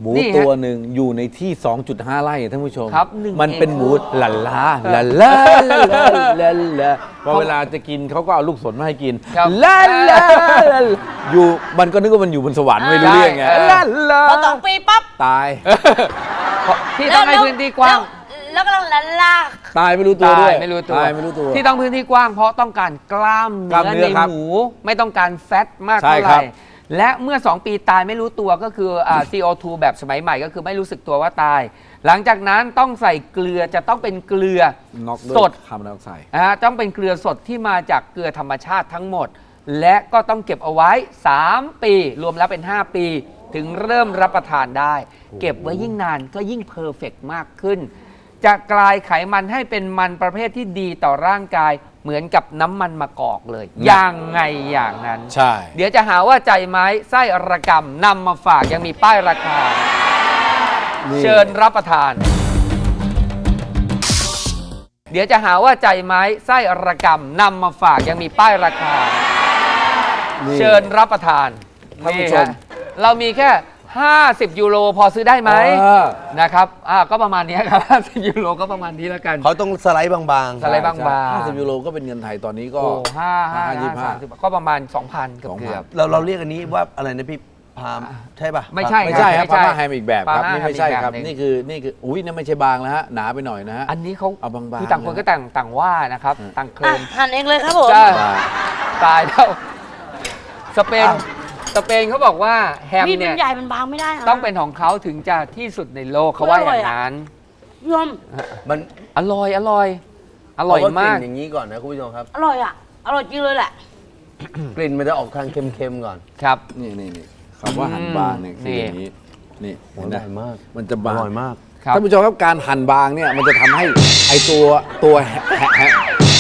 Speaker 1: หมู
Speaker 4: นี่ฮะ
Speaker 1: ตัวหนึ่งอยู่ในที่ สองจุดห้า ไร่ท่านผู้ชม
Speaker 4: ครับหนึ่ง
Speaker 1: มันเป็น
Speaker 4: เอเคอร์
Speaker 1: หมูหลันล้าหลันล้าหลันล้าหลันล้าพอเวลาจะกินเขาก็เอาลูกสนมาให้กิน
Speaker 4: ครับ
Speaker 1: ลาลาลาอยู่มันก็นึกว่ามันอยู่บนสวรรค์ไม่รู้เรื่องไง
Speaker 4: ใช่
Speaker 1: ลาลา
Speaker 2: พอสองปีปั๊บ
Speaker 1: ตาย
Speaker 4: ที่ต้องให้พื้นที่กว้าง
Speaker 2: แล้วแล้วก็ลันลาก
Speaker 1: ตายไม่รู้ตัวด้วย
Speaker 4: ตายไม่รู้ตัว
Speaker 1: ตายไม่รู้ตัว
Speaker 4: ที่ต้องพื้นที่กว้างเพราะต้องการกล้าม
Speaker 1: กล้ามเนื้
Speaker 4: เนื้
Speaker 1: อ
Speaker 4: อใน
Speaker 1: ครับ
Speaker 4: หมูไม่ต้องการแฟตมาก
Speaker 1: ใช่
Speaker 4: เท่าไห
Speaker 1: ครั
Speaker 4: ร่
Speaker 1: บ
Speaker 4: และเมื่อ สอง ปีตายไม่รู้ตัวก็คืออ่า ซี โอ ทู แบบสมัยใหม่ก็คือไม่รู้สึกตัวว่าตาย หลังจากนั้นต้องใส่เกลือจะต้องเป็นเกลือ
Speaker 1: น็อกด้วย
Speaker 4: สด
Speaker 1: คาร์บอนไดออกไซด์
Speaker 4: นะฮะต้องเป็นเกลือสดที่มาจากเกลือธรรมชาติทั้งหมด และก็ต้องเก็บเอาไว้ สาม ปี รวมแล้วเป็น ห้า ปี ถึงเริ่มรับประทานได้ เก็บไว้ยิ่งนานก็ยิ่งเพอร์เฟกต์มากขึ้น จะกลายไขมันให้เป็นมันประเภทที่ดีต่อร่างกายเหมือนกับน้ำมันมะกอกเลย อย่างไงอย่างนั้น
Speaker 1: ใช่
Speaker 4: เดี๋ยวจะหาว่าใจไม้ไส้ระกำนำมาฝากยังมีป้ายราคา
Speaker 1: นี่
Speaker 4: เชิญรับประทาน เดี๋ยวจะหาว่าใจไม้ไส้ระกำนำมาฝากยังมีป้ายราคา
Speaker 1: นี่
Speaker 4: เชิญรับประทาน
Speaker 1: ท่านผู้ชม
Speaker 4: ฮะเรามีแค่ ห้าสิบ ยูโรพอซื้อได้ไหม
Speaker 1: เออ
Speaker 4: นะครับอ่าก็ประมาณนี้ครับ ห้าสิบ ยูโรก็ประมาณนี้แล้วกัน
Speaker 3: เขาต้องสไลด์บางๆ
Speaker 4: สไลด์บางๆ
Speaker 1: ห้าสิบยูโรก็เป็นเงินไทยตอนนี้ก็
Speaker 4: โอ้ห้าห้า
Speaker 1: ห้ายี่สิบห้า
Speaker 4: สามสิบก็ประมาณ สองพันเกือบ
Speaker 1: สองพัน
Speaker 4: เกือบ
Speaker 3: เราเราเรียกอันนี้ว่าอะไรนะพี่พามใช่ป่ะ
Speaker 4: ไม่ใช่
Speaker 1: ไม่ใช่ครับ
Speaker 4: ไม่ใช่
Speaker 1: พาม่าแฮมอีกแบบครับ
Speaker 4: พาม่า
Speaker 1: นี่ไม่ใช่ครับ
Speaker 4: แฮมอีกแบบหนึ่ง
Speaker 1: นี่คือนี่คืออุ้ยนี่ไม่ใช่บางแล้วฮะหนาไปหน่อยนะฮะ
Speaker 4: อันนี้เขา
Speaker 1: เอาบางๆ
Speaker 4: คือต่างคนก็ต่างต่างว่านะครับ ต่างเคล
Speaker 2: อ่ะ
Speaker 4: ม
Speaker 2: หั่นเองเลยครับผม
Speaker 4: ใช่
Speaker 1: บาง
Speaker 4: ตายแล้ว สเปน สเปนเขาบอกว่าแฮม
Speaker 2: มีด
Speaker 4: เนี่
Speaker 2: มัน
Speaker 4: ย
Speaker 2: ใหญ่มันบางไม่ได้ะ
Speaker 4: ต้องเป็นของเขาถึงจะที่สุดในโลกเขาว่าอย่างนั้น
Speaker 2: ยม
Speaker 3: มัน
Speaker 4: อร่อย อร่อย อร่อยมาก
Speaker 3: เอว่ลิ่นอย่างนี้ก่อนนะคุณผู้ชมครับ
Speaker 2: อร่อยอ่ะ อร่อยจริงเลยแหละ
Speaker 3: กลิ่นมันจะออกทางเค็มๆก่อน
Speaker 4: ครับ
Speaker 1: นี่นี่นี่คำว่าหั่นบางเนี่ยคือ
Speaker 4: นี่
Speaker 1: อย่างนี้นี่เห็นไหม
Speaker 3: อร่อยมาก
Speaker 1: มันจะ
Speaker 3: อบ
Speaker 1: าง
Speaker 3: ร่อยมาก
Speaker 4: ครับ
Speaker 1: ท่านผู้ชมครับการหั่นบางเนี่ยมันจะทำให้ไอตัวตัวแฮะแฮะแฮะ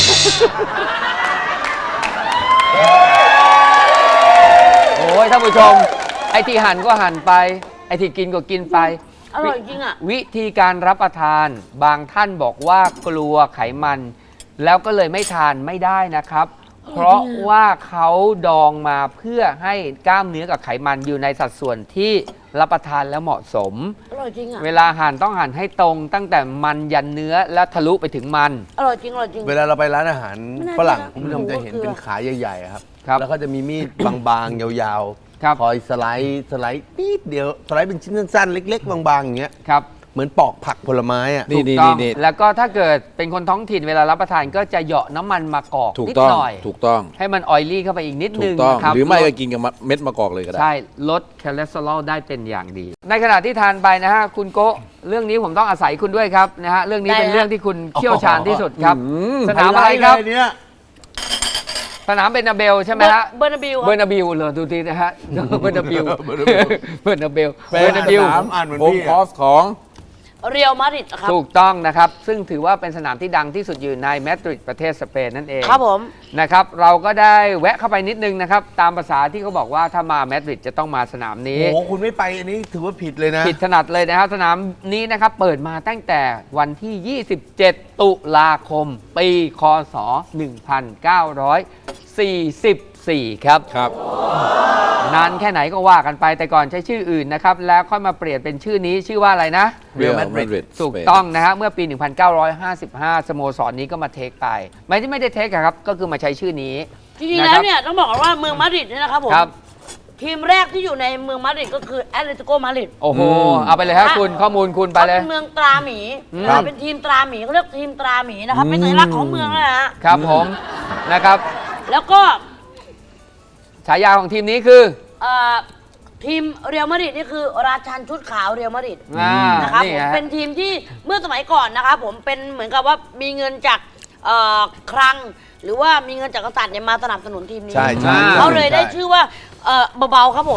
Speaker 4: โอ้ยท่านผู้ชม ไอ้ที่หั่นก็หั่นไป ไอ้ที่กินก็กินไป
Speaker 2: อร่อยจริงอ่ะ
Speaker 4: วิธีการรับประทาน บางท่านบอกว่ากลัวไขมัน แล้วก็เลยไม่ทานไม่ได้นะครับ เพราะว่าเขาดองมาเพื่อให้กล้ามเนื้อกับไขมันอยู่ในสัดส่วนที่รับประทานแล้วเหมาะสม
Speaker 2: อร่อยจริงอ่ะ
Speaker 4: เวลาหั่นต้องหั่นให้ตรงตั้งแต่มันยันเนื้อและทะลุไปถึงมัน
Speaker 2: อร่อยจริงอร่อยจริง
Speaker 3: เวลาเราไปร้านอาหาร
Speaker 2: ไม่น่า
Speaker 3: ฝรั่ง
Speaker 2: เชื่อ
Speaker 3: คุณผู้ชมจะเห็น
Speaker 2: หมูกับเกลือ
Speaker 3: เป็นขาใหญ่ๆอะครับ
Speaker 4: ครับ
Speaker 3: แล้วก็จะมีมีด บางๆ ยาว
Speaker 4: ครับ
Speaker 3: คอยสไลด์สไลด์นิดเดียวสไลด์เป็นชิ้นสั้นๆ เล็ก ๆ บางๆ อย่างเงี้ย
Speaker 4: ครับ
Speaker 3: เหมือนปอกผักผลไม้อะ
Speaker 1: นี่
Speaker 4: ถูก
Speaker 1: นี่
Speaker 4: ต้อ
Speaker 1: นี่
Speaker 4: ง
Speaker 1: นี่
Speaker 4: แล้วก็ถ้าเกิดเป็นคนท้องถิ่นเวลารับประทานก็จะเหยาะน้ำมันมะกอก
Speaker 1: ถูก
Speaker 4: นิด
Speaker 1: ต้อง
Speaker 4: หน่อย
Speaker 1: ถูกต้อง
Speaker 4: ให้มันออยลี่เข้าไปอีกนิด
Speaker 1: ถู
Speaker 4: นึ
Speaker 1: ก
Speaker 4: ง
Speaker 1: ต้อง
Speaker 4: นะครับ
Speaker 1: หรือไม่
Speaker 4: ล
Speaker 1: ก็
Speaker 4: ด
Speaker 1: กินกับเม็ดมะกอกเลยก็ได้
Speaker 4: ใช่ ลดคอเลสเตอรอลได้เป็นอย่างดี ในขณะที่ทานไปนะฮะ คุณโกะเรื่องนี้ผมต้องอาศัยคุณด้วยครับนะฮะ เรื่องนี้
Speaker 2: ได้
Speaker 4: เป็น
Speaker 2: ฮะ
Speaker 4: เรื่องที่คุณเชี่ยวชาญที่สุดครับ
Speaker 1: อืม
Speaker 4: สนามอะไรครับ
Speaker 3: ไฮลท์เลยเนี่ย
Speaker 4: สนามเบอร์นาเบลใช่ไหมฮะ
Speaker 2: เบอร์นาบิล
Speaker 4: เบอร์นาบิลเลยดูทีนะฮะ เบอร์นาบิล เบอร์นาเบล เบอร์นาเบล
Speaker 1: เป็นสนาม
Speaker 3: อ่านเหมือน
Speaker 1: โฮม
Speaker 3: พี่อะ
Speaker 1: คอร์สของ
Speaker 2: เรียลมาดริดครับ
Speaker 4: ถูกต้องนะครับ ซึ่งถือว่าเป็นสนามที่ดังที่สุดอยู่ในมาดริดประเทศสเปนนั่นเอง
Speaker 2: ครับผม
Speaker 4: นะครับเราก็ได้แวะเข้าไปนิดนึงนะครับ ตามภาษาที่เขาบอกว่าถ้ามามาดริดจะต้องมาสนามนี้
Speaker 3: โอ้โหคุณไม่ไปอันนี้ถือว่าผิดเลยนะ
Speaker 4: ผิดถนัดเลยนะครับ สนามนี้นะครับ เปิดมาตั้งแต่วันที่ ยี่สิบเจ็ด ตุลาคม ปี คศ หนึ่งพันเก้าร้อยสี่สิบสี่ ครับ
Speaker 1: ครับ
Speaker 4: นานแค่ไหนก็ว่ากันไปแต่ก่อนใช้ชื่ออื่นนะครับ แล้วค่อยมาเปลี่ยนเป็นชื่อนี้ชื่อว่าอะไรนะ
Speaker 1: Real
Speaker 3: Madrid
Speaker 1: Madrid
Speaker 4: ถูกต้องนะฮะเมื่อปี หนึ่งพันเก้าร้อยห้าสิบห้า สโมสรนี้ก็มาเทคไป ไม่ที่ไม่ได้เทคอะครับ ก็คือมาใช้ชื่อนี้
Speaker 2: จริงๆแล้วเนี่ยต้องบอกก่อนว่าเมืองมาดริดเนี่ยนะครับผม
Speaker 4: ครับ
Speaker 2: ทีมแรกที่อยู่ในเมืองมาดริดก็คือแอตเลติโกมาดริด
Speaker 4: โอ้โห
Speaker 1: อืม
Speaker 4: เอาไปเลยฮะคุณข้อมูลคุณไป
Speaker 2: เขา
Speaker 4: เลย
Speaker 2: เป็นเมืองตราหมี
Speaker 4: ครับ
Speaker 2: เป็นทีมตราหมีเขาเรียกทีมตราหมีนะครับเป็นสัญลักษณ์ของเมืองนะฮะ
Speaker 4: ครับผมนะครับ
Speaker 2: แล้วก็
Speaker 4: ฉายาของทีมนี้คือ
Speaker 2: เอ่อทีมเรียลมาดริดนี่คือราชันชุดขาวเรียลมาดริด
Speaker 4: อ่า
Speaker 2: นะครับ
Speaker 4: นี่
Speaker 2: ผม
Speaker 4: ฮะ
Speaker 2: เป็นทีมที่เมื่อสมัยก่อนนะครับผมเป็นเหมือนกับว่ามีเงินจากเอ่อคลัง หรือว่ามีเงินจากกษัตริย์เนี่ยมาสนับสนุนทีมนี้
Speaker 3: ใช่ใช่
Speaker 2: เขาเลยได้ชื่อว่าเอ่อเบาๆครับผม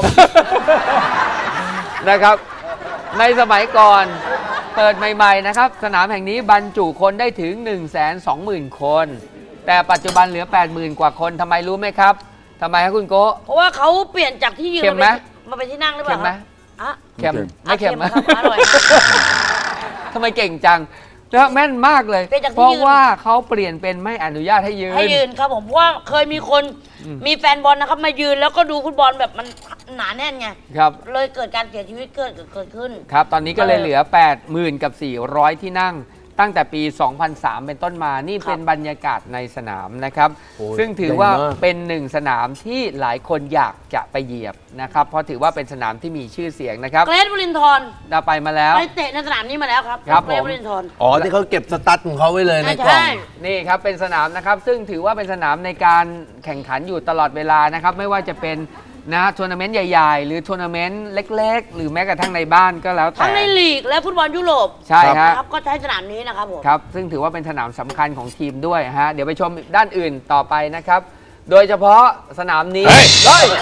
Speaker 4: นะครับ ในสมัยก่อนเปิดใหม่ๆนะครับ สนามแห่งนี้บรรจุคนได้ถึง หนึ่งแสนสองหมื่น คน แต่ปัจจุบันเหลือ แปดหมื่น กว่าคนทำไมรู้ไหมครับทำไมครับคุณโกะ
Speaker 2: เพราะว่าเขาเปลี่ยนจากที่ยืน
Speaker 4: เค็มไหม
Speaker 2: มาเป็นที่นั่งหรือเป
Speaker 4: เค็
Speaker 2: ล่าม
Speaker 4: ไหม
Speaker 2: ครับอ่ะ
Speaker 4: เค็ม
Speaker 2: อ่ะ
Speaker 4: ไม่เค็มนะ
Speaker 2: ครับอร่อย
Speaker 4: ทำไมเก่งจังนะแม่นมากเลย
Speaker 2: เป็นจากที่
Speaker 4: เพราะ
Speaker 2: ยืน
Speaker 4: ว่าเขาเปลี่ยนเป็นไม่อนุญาตให้ยืน
Speaker 2: ให้ยืนครับผมเพราะว่าเคยมีคนมีแฟนบอลนะครับมายืนแล้วก็ดูฟุตบอลแบบมันหนาแน่นไง
Speaker 4: ครับ
Speaker 2: เลยเกิดการเสียชีวิตเกิดเกิดขึ้น
Speaker 4: ครับ ตอนนี้ก็เลยเหลือ แปดหมื่น กับ สี่ร้อย ที่นั่ง ตั้งแต่ปี สองพันสาม เป็นต้นมา นี่เป็นบรรยากาศในสนามนะครับ
Speaker 3: โอ้ย
Speaker 4: ซึ่งถือว่า
Speaker 3: ใหญ่มาก
Speaker 4: เป็นหนึ่งสนามที่หลายคนอยากจะไปเหยียบนะครับ เพราะถือว่าเป็นสนามที่มีชื่อเสียงนะครับ
Speaker 2: เกรทวรินทร์
Speaker 4: เราไปมาแล้ว
Speaker 2: ไปเตะในสนามนี้มาแล้วครับ
Speaker 4: ครับ
Speaker 2: เกรท
Speaker 4: ผม
Speaker 2: วรินทร์
Speaker 3: อ๋อที่เขาเก็บสตั๊ดของเขาไว้เลยในกล่อง
Speaker 2: ใช่
Speaker 4: นี่ครับเป็นสนามนะครับซึ่งถือว่าเป็นสนามในการแข่งขันอยู่ตลอดเวลานะครับไม่ว่าจะเป็นนะทัวร์นาเมนต์ใหญ่ๆ หรือทัวร์นาเมนต์เล็กๆ หรือแม้กระทั่งในบ้านก็แล้วแต่
Speaker 2: ทั้งในลีกและฟุตบอลยุโรป
Speaker 4: ใช่ฮะ
Speaker 2: นะครับก็ใช้สนามนี้นะครับผม
Speaker 4: ครับซึ่งถือว่าเป็นสนามสำคัญของทีมด้วยฮะเดี๋ยวไปชมด้านอื่นต่อไปนะครับ โดยเฉพาะสนามนี้
Speaker 1: เฮ้ย
Speaker 4: เฮ้ย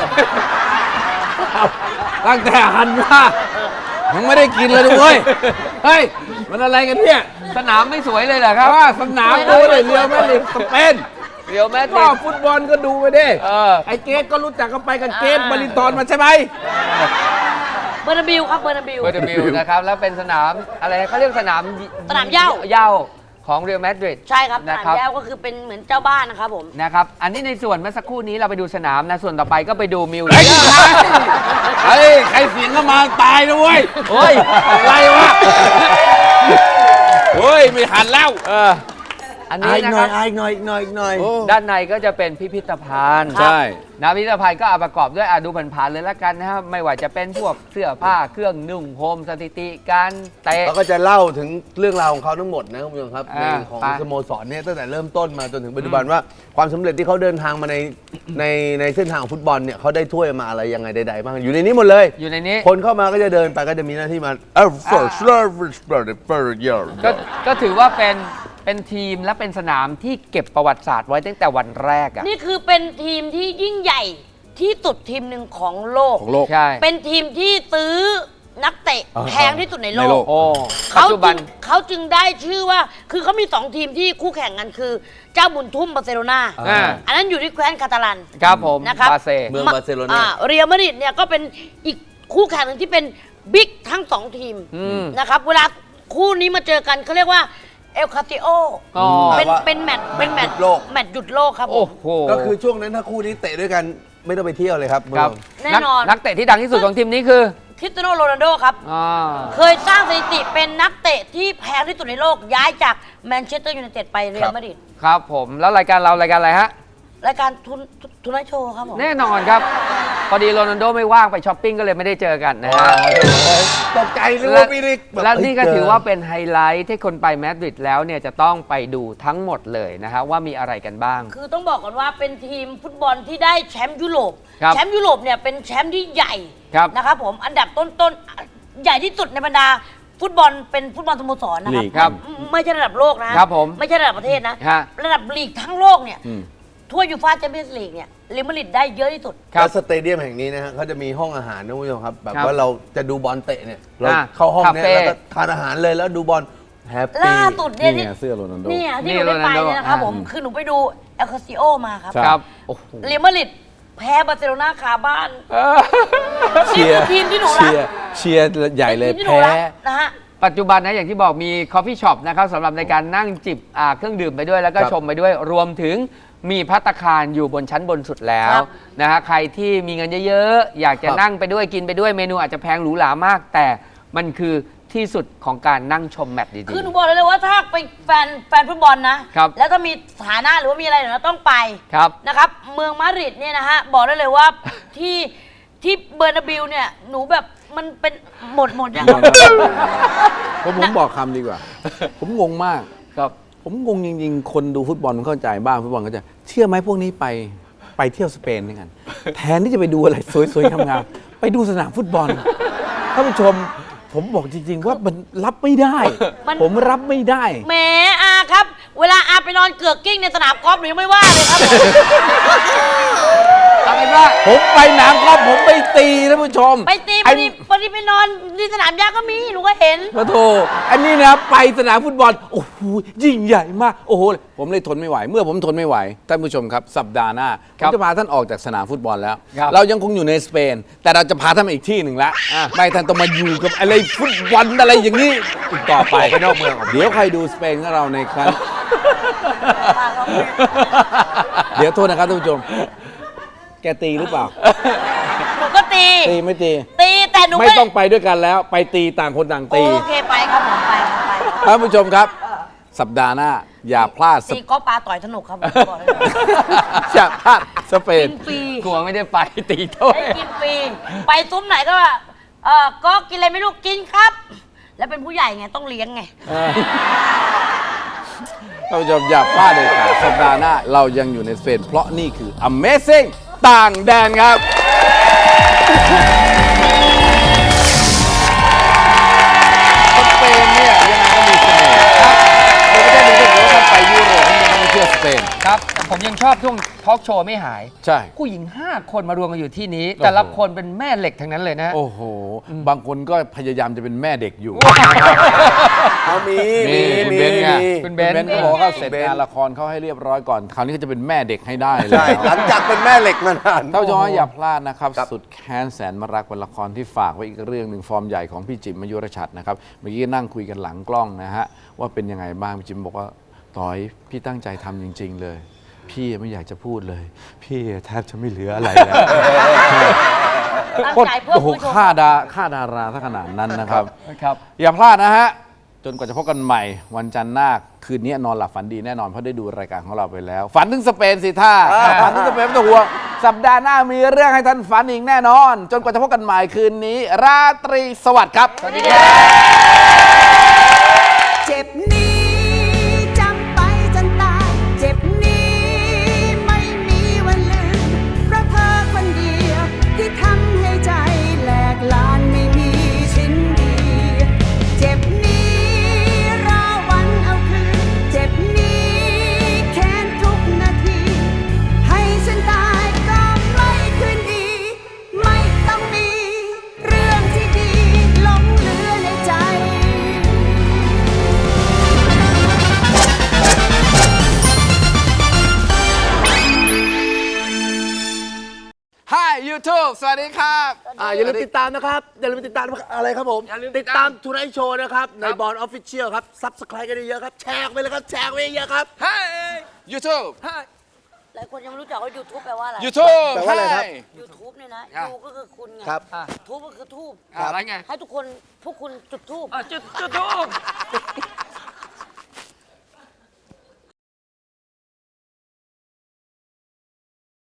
Speaker 1: ตั้งแต่หันมายังไม่ได้กินเลยด้วย เฮ้ย มันอะไรกันเนี่ย
Speaker 4: สนามไม่สวยเลยเหรอครับ
Speaker 1: ว่าสนามดูเลยเรียวแม่ลิกสเปน
Speaker 4: เรียวแมดริ
Speaker 1: ก็
Speaker 4: ด
Speaker 1: ฟุตบอลก็ดูไปดิ
Speaker 4: เออ
Speaker 1: ไอ้เกตก็รู้จักกันไปกับเกตบรินทอนมาใช่ไหม
Speaker 2: เบอร์นาบิลครับเบอร์นาบิล
Speaker 4: เบอร์เดบิลนะครับแล้วเป็นสนามอะไรเขาเรียกสนาม
Speaker 2: สนามเหย้า
Speaker 4: เหย้าของเรียวแมดริด
Speaker 2: ใช่ครับส
Speaker 4: นะ
Speaker 2: นาม
Speaker 4: ครับ
Speaker 2: แย้วก็คือเป็นเหมือนเจ้าบ้านนะครับผม
Speaker 4: นะครับ อันนี้ในส่วนเมื่อสักครู่นี้เราไปดูสนามนะ ส่วนต่อไปก็ไปดูมิว
Speaker 1: เฮ้ยเฮ้ยใครเสียงก็มาตายนะเว้ย
Speaker 4: โอ้ย
Speaker 1: อะไรวะเฮ้ย ไม่หันแล้ว
Speaker 4: เออ อัน
Speaker 3: อ่ะ
Speaker 4: นี้
Speaker 3: อีก
Speaker 4: นะ
Speaker 3: ห
Speaker 4: ค
Speaker 3: น่อ
Speaker 4: รั
Speaker 3: ย
Speaker 4: บ
Speaker 3: อ่ะอีกหน่อยอีกหน่อยอีกหน่อย
Speaker 1: โอ้
Speaker 4: ด้านในก็จะเป็นพิพิธภัณฑ์
Speaker 1: ใช่
Speaker 4: นะพิพิธภัณฑ์ก็เอาประกอบด้วยอ่ะดูผ่านๆเลยละกันนะครับ ไม่ว่าจะเป็นพวกเสื้อผ้าเครื่องนุ่งห่มสถิติการเตะ
Speaker 3: แล้วก็จะเล่าถึงเรื่องราวของเขาทั้งหมดนะคุณผู้ชมครับใน
Speaker 4: อ่า
Speaker 3: ของ
Speaker 4: ไป
Speaker 3: สโมสรเนี่ยตั้งแต่เริ่มต้นมาจนถึงปัจจุบันว่าความสำเร็จที่เขาเดินทางมาในในในเส้นทางของฟุตบอลเนี่ยเขาได้ถ้วยมาอะไรยังไงใดๆบ้างอยู่ในนี้หมดเลย
Speaker 4: อยู่ในนี้
Speaker 3: คนเข้ามาก็จะเดินไปก็จะมีหน้าที่มาเออ first service for the first year
Speaker 4: ก็ก็ถือว่าเป็นเป็นทีมและเป็นสนามที่เก็บประวัติศาสตร์ไว้ตั้งแต่วันแรกอ่ะ
Speaker 2: นี่คือเป็นทีมที่ยิ่งใหญ่ที่สุดทีมหนึ่งของโลก
Speaker 1: ของโลก
Speaker 4: ใช่
Speaker 2: เป็นทีมที่ซื้อนักเตะ
Speaker 1: อ่า
Speaker 2: แพงที่สุดในโล
Speaker 1: ในโล
Speaker 2: ก
Speaker 1: ก
Speaker 4: โอ้ปัจ
Speaker 2: เขา
Speaker 4: จุ
Speaker 2: จึ
Speaker 4: บัน
Speaker 2: งเขาจึงได้ชื่อว่า คือเขามีสองทีมที่คู่แข่งกันคือ เจ้าบุญทุ่มบาร์เซโลนา
Speaker 4: อ่า
Speaker 2: อันนั้นอยู่ที่แคว้นคาตาลัน
Speaker 4: ครับผม
Speaker 2: นะครับ
Speaker 4: บาเซ
Speaker 3: เมืองบาร์เซโลนา
Speaker 2: เรียลมาดริดเนี่ยก็เป็นอีกคู่แข่งหนึ่งที่เป็นบิ๊กทั้งสองทีม
Speaker 4: อืม
Speaker 2: นะครับ เวลาคู่นี้มาเจอกันเขาเรียกว่าเอลคาติโอ
Speaker 4: อ๋อ
Speaker 2: เป็น
Speaker 3: แปลว่า
Speaker 2: เป็นแมตช์เป็นแมตช์
Speaker 3: หยุดโลก
Speaker 2: แมตช์หยุดโลกครับผ
Speaker 4: โอ้
Speaker 2: ม
Speaker 4: โห
Speaker 3: ก็คือช่วงนั้นถ้าคู่นี้เตะด้วยกันไม่ต้องไปเที่ยวเลยครับ
Speaker 4: ครับ
Speaker 2: แน่นอน
Speaker 4: กนักเตะที่ดังที่สุดของทีมนี้คือ
Speaker 2: คริสเตียโนโรนัลโดครับ
Speaker 4: อ่า
Speaker 2: เคยสร้างสถิติเป็นนักเตะที่แพงที่สุดในโลก ย้ายจากแมนเชสเตอร์ยูไนเต็ดไปเรอัลมาดริด
Speaker 4: ครับผมแล้วรายการเรารายการอะไรฮะ
Speaker 2: รายการทุนทุนไนท์โชว์ครับผม
Speaker 4: แน่นอนครับ พอดีโรนัลโดไม่ว่างไปช้อปปิ้งก็เลยไม่ได้เจอกันนะฮะ
Speaker 3: ตกใจนึกว่าพี่ริกแบบ
Speaker 4: และนี่ก็
Speaker 3: เฮ้ย
Speaker 4: ถือว่าเป็นไฮไลท์ที่คนไปมาดริดแล้วเนี่ยจะต้องไปดูทั้งหมดเลยนะฮะว่ามีอะไรกันบ้าง
Speaker 2: คือต้องบอกก่อนว่าเป็นทีมฟุตบอลที่ได้แชมป์ยุโรป
Speaker 4: ครับ
Speaker 2: แชมป์ยุโรปเนี่ยเป็นแชมป์ที่ใหญ่
Speaker 4: ครับ
Speaker 2: นะครับผมอันดับต้นๆ ใหญ่ที่สุดในบรรดาฟุตบอลเป็นฟุตบอลสโมสรนะครับ
Speaker 1: ลีกครับ
Speaker 2: ไม่ไม่ใช่ระดับโลกนะครับ
Speaker 4: ผม
Speaker 2: ไม่ใช่ระดับประเทศนะ
Speaker 4: ฮะ
Speaker 2: ระดับลีกทั้งโลกเนี่ย
Speaker 1: อืม
Speaker 2: ถ้วยยูฟ่าแชมเปี้ยนส์ลีกเนี่ยเรอัลมาดริดได้เยอะที่สุด
Speaker 3: แล้วสเตเดียมแห่งนี้นะฮะเขาจะมีห้องอาหารนะคุณผู้ชมครับแบบ
Speaker 4: ครับ
Speaker 3: ว่าเราจะดูบอลเตะเนี่ยเรา
Speaker 4: อ่า
Speaker 3: เข้าห้องเนี้ย
Speaker 4: คาเฟ่
Speaker 3: แล้วก็ทานอาหารเลยแล้วดูบอลแฮปปี้
Speaker 2: ล่าสุดเนี่ย
Speaker 1: นี่
Speaker 2: ที่
Speaker 1: ไงเสื้อโรนัลโด
Speaker 2: เนี่ยที่
Speaker 4: นี่
Speaker 2: หนูได้ไป
Speaker 4: โรนัลโด
Speaker 2: เนี่ยนะครับ
Speaker 4: อ่า
Speaker 2: ผมคือหนูไปดูเอลคาซิโอมาครับ
Speaker 1: ใช่
Speaker 4: ครับโอ้โห
Speaker 2: เรอัลมาดริดแพ้บาร์เซโลนาคาบ้าน
Speaker 4: เออ
Speaker 1: เชียร์
Speaker 2: ทีมที่หนูรัก
Speaker 1: เชียร์เชียร์ใหญ่เลย
Speaker 2: ป็นทีมที่หนู
Speaker 1: แพ้
Speaker 2: รักนะฮะ
Speaker 4: ปัจจุบันนะอย่างที่บอกมีคอฟฟี่ช็อปนะครับสำหรับในการนั่งจิบอ่าเครื่องดื่มไปด้วยแล้วก็
Speaker 3: ครับ
Speaker 4: ชมไปด้วยรวมถึงมีภัตตาคารอยู่บนชั้นบนสุดแล้ว
Speaker 2: ครับ
Speaker 4: นะฮะใครที่มีเงินเยอะๆ อยากจะ
Speaker 3: ครับ
Speaker 4: นั่งไปด้วยกินไปด้วยเมนูอาจจะแพงหรูหรามาก แต่มันคือที่สุดของการนั่งชมแมตช์ดี
Speaker 2: คือหนูบอกเลยเลยว่าถ้าเป็นแฟนแฟนฟุตบอลนะ
Speaker 4: ครับ
Speaker 2: แล้วถ้ามีฐานะหรือว่ามีอะไรเนี่ยเราต้องไป
Speaker 4: ๆครับ
Speaker 2: นะครับ เมืองมาดริดเนี่ยนะฮะ บอกได้เลยว่า ที่ที่เบอร์นาบิลเนี่ย หนูแบบมันเป็นหมดหมดยัง
Speaker 1: ผมผมบอกคำดีกว่า ผมงงมาก
Speaker 4: ครับ
Speaker 1: ผมงงจริงๆ คนดูฟุตบอลเข้าใจบ้างฟุตบอลเข้าใจเชื่อไหมพวกนี้ไปไปเที่ยวสเปนด้วยกัน แทนที่จะไปดูอะไรสวยๆงามๆไปดูสนามฟุตบอลท่านผู้ชม ผมบอกจริง ๆ ว่ามันรับไม่ได้
Speaker 2: มัน
Speaker 1: ผมรับไม่ได้
Speaker 2: แหมอาครับ เวลาอาไปนอนเกือกกิ้งในสนามกอล์ฟหนูยังไม่ว่าเลยครับผม
Speaker 4: เอาเป็นว่า
Speaker 1: ผมไปหนังก็ผมไปตีท่านผู้ชม
Speaker 2: ไปตีพ
Speaker 1: ไอ้
Speaker 2: อดีพอดีไปนอนที่สนามหญ้าก็มีหนูก็เห็น
Speaker 1: พระโทอันนี้นะไปสนามฟุตบอลโอ้โหยิ่งใหญ่มากโอ้โหผมเลยทนไม่ไหว เมื่อผมทนไม่ไหวท่านผู้ชมครับสัปดาห์หน้าผ
Speaker 4: ครั
Speaker 1: ม
Speaker 4: บ
Speaker 1: จะพาท่านออกจากสนามฟุตบอลแล้ว
Speaker 4: ครับ
Speaker 1: เรายังคงอยู่ในสเปน แต่เราจะพาท่านมาอีกที่หนึ่งละไม่ท่านต้องมาอยู่กับอะไรฟุตบอลอะไรอย่างนี้อีกต่อไป
Speaker 3: ไปนอกเมือง
Speaker 1: เดี๋ยวใครดูสเปนของเราในครั้ง เดี๋ยวโทษนะครับท่านผู้ชม แกตีหรือเปล่า
Speaker 2: หนูก็ตี
Speaker 1: ตีไม่ตี
Speaker 2: ตีแต่หนู
Speaker 1: ไม่ต้องไปด้วยกันแล้ว ไปตีต่างคนต่างตี
Speaker 2: โอเคไปครับผมไปครับไปครับ
Speaker 1: ท่านผู้ชมครับ สัปดาห์หน้า อย่าพลาดส
Speaker 2: ตีก็ปลาต่อยสนุกครับผมบอกเลย
Speaker 1: อย่าพลาดสเป
Speaker 2: กิ
Speaker 1: น
Speaker 2: นฟรี
Speaker 4: กลัวไม่ได้ไปตีโทษ
Speaker 2: ได้กินฟรีไปซุ้มไหนก็ว่าเออก็กินอะไรไม่รู้กินครับ แล้วเป็นผู้ใหญ่ไงต้องเลี้ยงไง
Speaker 1: ท่านผู้ชมอย่าพลาดเลยค่ะสัปดาห์หน้าเรายังอยู่ในสเปน เพราะนี่คือ Amazing ต่างแดนครับ สเปนเนี่ยยังไงก็มีเสน่ห์ครับในประเทศหนึ่งที่ผมว่าท่านไปยุโรปท่านจะต้องไปเที่ยวสเปน
Speaker 4: ครับ ผมยังชอบช่วงทอล์กโชว์ไม่หาย
Speaker 1: ใช่
Speaker 4: ผู้หญิง ห้า คนมารวมกันอยู่ที่นี้ แต่ละ
Speaker 1: โอ้โห
Speaker 4: คนเป็นแม่เหล็กทั้งนั้นเลยนะ
Speaker 1: โอ้โห บางคนก็พยายามจะเป็นแม่เด็กอยู่
Speaker 3: เขามี
Speaker 1: มีคุณเบนซ์ไง
Speaker 3: มี
Speaker 4: คุณเบนซ์
Speaker 1: เขาบอกว่าเสร็จงานละครเขาให้เรียบร้อยก่อน คราวนี้ก็จะเป็นแม่เด็กให้ได้เลย
Speaker 3: ใช่หลังจากเป็นแม่เหล็กมานาน
Speaker 1: ท่านผู้ชมอย่าพลาดนะครับ
Speaker 3: ครับ
Speaker 1: สุดแค้นแสนมรักเป็นละครที่ฝากไว้อีกเรื่องหนึ่งฟอร์มใหญ่ของพี่จิ๋มมยุรชัดนะครับ เมื่อกี้นั่งคุยกันหลังกล้องนะฮะ ว่าเป็นยังไงบ้างพี่จิ๋มบอกว่าต่อยพี่ตั้งใจทำจริง ๆ เลย พี่ไม่อยากจะพูดเลย พี่แทบจะไม่เหลืออะไรแล้ว
Speaker 2: ตั้งใจเพื่อ
Speaker 1: โอ้โห
Speaker 2: ผู้ชม
Speaker 1: ค่าดาค่าดาราถ้าขนาดนั้นนะครับ
Speaker 4: ครับ
Speaker 1: อย่าพลาดนะฮะ จนกว่าจะพบกันใหม่ วันจันทร์หน้า คืนนี้นอนหลับฝันดีแน่นอน เพราะได้ดูรายการของเราไปแล้ว ฝันถึงสเปนสิท่าฝันถึงสเปนไม่ต้องห่วงสัปดาห์หน้ามีเรื่องให้ท่านฝันอีกแน่นอน จนกว่าจะพบกันใหม่คืนนี้ ราตรีสวัสดิ์ครับ
Speaker 4: สวัสดีครับ
Speaker 5: เจ็บนี้จำไปจนตาย เจ็บนี้ไม่มีวันลืม เพราะเธอคนเดียวที่ทำให้ใจแหลกลานไม่มีชิ้นดี เจ็บนี้ราวันเอาคืน เจ็บนี้แค้นทุกนาที ให้ฉันตายก็ไม่คืนดี ไม่ต้องมีเรื่องที่ดีหลงเหลือในใจ
Speaker 1: Hi YouTube สวัสดีครับ
Speaker 3: อ่าอย่าลืมติดตามนะครับ อย่าลืมติดตามอะไรครับผม
Speaker 4: อย่าลืมติ
Speaker 3: ติ
Speaker 4: ด
Speaker 3: ด
Speaker 4: ตา
Speaker 3: ตาม มทูไนท์โชว์นะครับ ในบอลออฟฟิเชียลครับซับสไครต์กันเยอะๆครับ แชร์ไปเลยครับ แชร์ไปเยอะๆครับ
Speaker 1: Hi YouTube
Speaker 2: หลายคนยังไม่รู้จักว่า YouTube แปลว่าอะไร
Speaker 1: YouTube
Speaker 3: แปลว่าอะไรครับ
Speaker 1: Hi
Speaker 2: YouTube เนี่ยนะ
Speaker 1: อ่ะ
Speaker 2: ยูก็คือคุณไง
Speaker 3: ครับ
Speaker 2: ทูบก็คือทูบ
Speaker 4: อะไรไง
Speaker 2: ให้ทุกคนพวกคุณจุดทูบ
Speaker 4: อ่ะจุดจุดทูบ